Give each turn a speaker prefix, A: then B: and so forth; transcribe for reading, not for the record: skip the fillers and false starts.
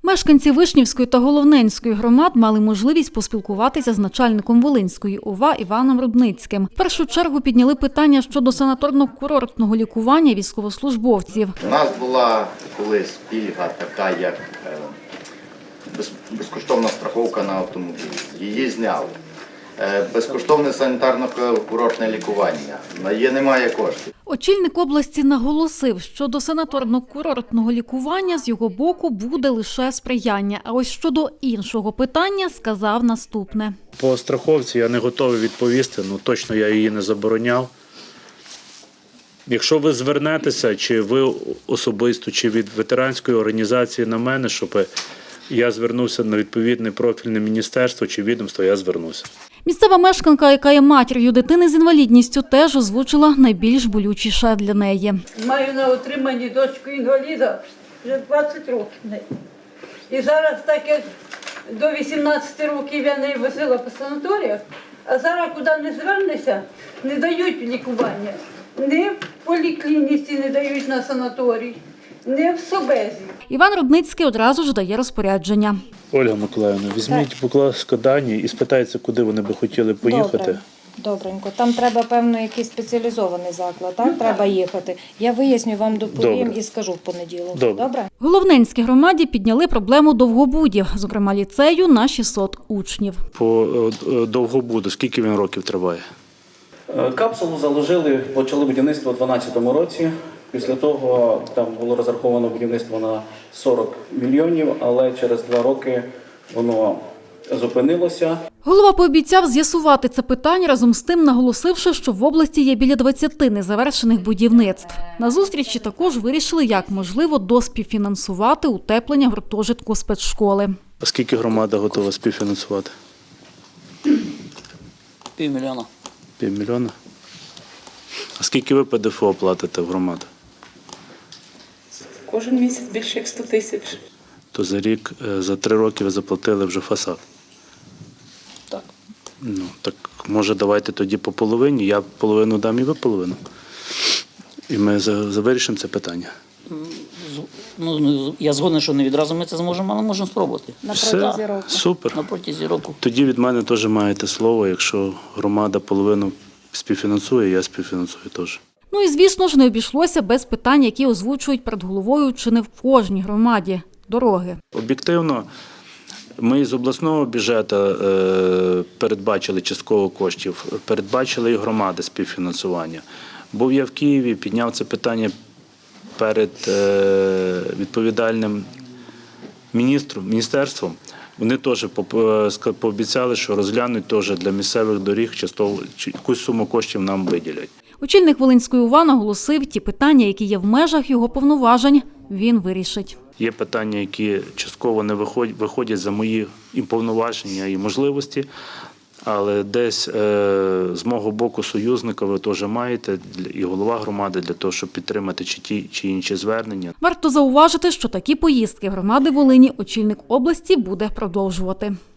A: Мешканці Вишнівської та Головненської громад мали можливість поспілкуватися з начальником Волинської ОВА Іваном Рудницьким. В першу чергу підняли питання щодо санаторно-курортного лікування військовослужбовців.
B: У нас була колись пільга така, як безкоштовна страховка на автомобіль. Її зняли. Безкоштовне санітарно-курортне лікування. На її немає коштів.
A: Очільник області наголосив, що до санаторно-курортного лікування з його боку буде лише сприяння. А ось щодо іншого питання сказав наступне.
C: По страховці я не готовий відповісти, точно я її не забороняв. Якщо ви звернетеся, чи ви особисто, чи від ветеранської організації на мене, щоб я звернувся на відповідне профільне міністерство чи відомство, я звернуся.
A: Місцева мешканка, яка є матір'ю дитини з інвалідністю, теж озвучила найбільш болючіше для неї.
D: Маю на отриманні дочку інваліда вже 20 років. І зараз, так як до 18 років я не возила по санаторіях, а зараз куди не звернешся, не дають лікування. Ні в поліклініці не дають на санаторій, ні в Собезі.
A: Іван Рудницький одразу ж дає розпорядження.
C: Ольга Миколаївна, візьміть, будь ласка, дані і спитайте, куди вони би хотіли поїхати.
E: Добренько. Там треба, певно, якийсь спеціалізований заклад, так? Треба їхати. Я виясню, вам доповім і скажу в понеділок. Добре?
A: В Головненській громаді підняли проблему довгобудів, зокрема ліцею на 600 учнів.
C: По довгобуду, скільки він років триває?
F: Капсулу заложили, почали будівництво у 2012 році. Після того там було розраховано будівництво на 40 мільйонів, але через 2 роки воно зупинилося.
A: Голова пообіцяв з'ясувати це питання, разом з тим наголосивши, що в області є біля 20 незавершених будівництв. На зустрічі також вирішили, як можливо доспівфінансувати утеплення гуртожитку спецшколи.
C: А скільки громада готова співфінансувати?
G: 500 000.
C: 500 000? А скільки ви ПДФО платите в громаду?
H: Кожен місяць більше як 100 000.
C: То за рік, за 3 роки ви заплатили вже фасад.
G: Так.
C: Так може давайте тоді по половині, я половину дам і ви половину. І ми вирішимо це питання.
G: Я згоден, що не відразу ми це зможемо, але можемо спробувати.
E: На протязі року.
C: Супер.
G: На протязі року.
C: Тоді від мене теж маєте слово, якщо громада половину співфінансує, я співфінансую теж.
A: І, звісно ж, не обійшлося без питань, які озвучують перед головою чи не в кожній громаді – дороги.
C: Об'єктивно, ми з обласного бюджету передбачили частково коштів, передбачили і громади співфінансування. Був я в Києві, підняв це питання перед відповідальним міністерством. Вони теж пообіцяли, що розглянуть теж для місцевих доріг, якусь суму коштів нам виділять.
A: Очільник Волинської ОВА наголосив, ті питання, які є в межах його повноважень, він вирішить.
C: Є питання, які частково не виходять за мої і повноваження, і можливості, але десь з мого боку союзника ви теж маєте, і голова громади, для того, щоб підтримати ті чи інші звернення.
A: Варто зауважити, що такі поїздки громади Волині очільник області буде продовжувати.